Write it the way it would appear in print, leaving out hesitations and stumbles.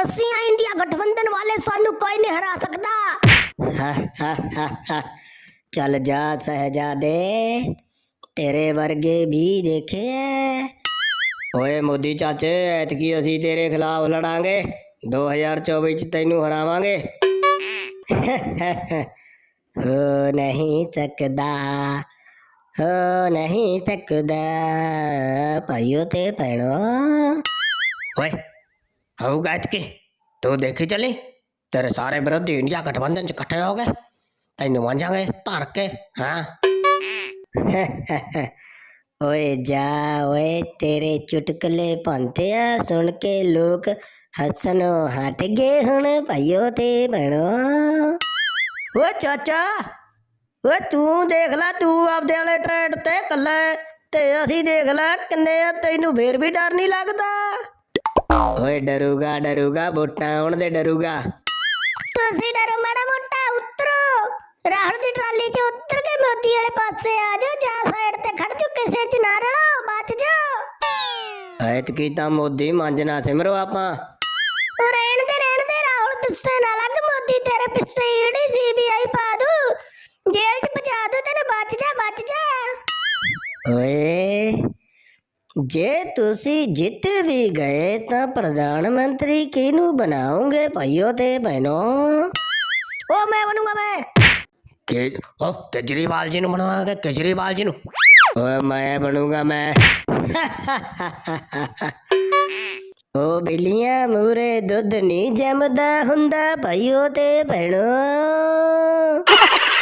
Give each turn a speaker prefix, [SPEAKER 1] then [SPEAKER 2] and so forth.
[SPEAKER 1] ਅਸੀਂ ਆ ਇੰਡੀਆ गठबंधन वाले सानू कोई नहीं हरा सकता। चल जा शहजादे, तेरे वर्गे भी देखे हैं। ओए मोदी चाचे, ऐतकी असी तेरे खिलाफ लड़ांगे, 2024 च तैनू हरावांगे। हो नहीं सकदा, हो नहीं सकदा भाइयों ते भैनों। ओए होगा ऐतकी, तू देखी चली, तेरे सारे विरोधी इंडिया गठबंधन च इकट्ठे हो गए, तैनू मांझांगे धर के। हाँ ओए जा ओए, तेरे चुटकले पांते सुन के लोग हसनो हट गए हुण भाइयों ते भैनों। ओ चाचा, ओ तू देख ला, तू आपदे वाले ट्रेड ते कल्ला ते असी देख ला किन्ने आ, तैनू फिर भी डर नहीं लगदा? ओए डरूगा डरूगा, वोटां आउण दे डरूगा। तुसी डरो माड़ा मोटा, उतरो राहुल दी ट्राली च उतर के मोदी वाले पासे आ जाओ, जा साइड ते खड़ जाओ, किसे च ना रलो, बच जाओ। ऐतकी तां मोदी मांजना सिमरो आपां। रहण दे राहुल, पिस्से ना लग, मोदी तेरे पिस्से ईडी सीबीआई पा दू, जेल च पहुंचा दू तेरे, बच जा बच जा। ओए जे तुसी जित भी गए तां प्रधानमंत्री किनू बनाओगे भाइयों ते बहनों? ओ मैं बनूंगा, मैं केजरीवाल जी नू बनाओगे, केजरीवाल जी नू। ओ मैं बनूंगा मैं। ओ बिल्लियां मूरे दुध नहीं जमदा हुंदा भाइयों ते बहनों।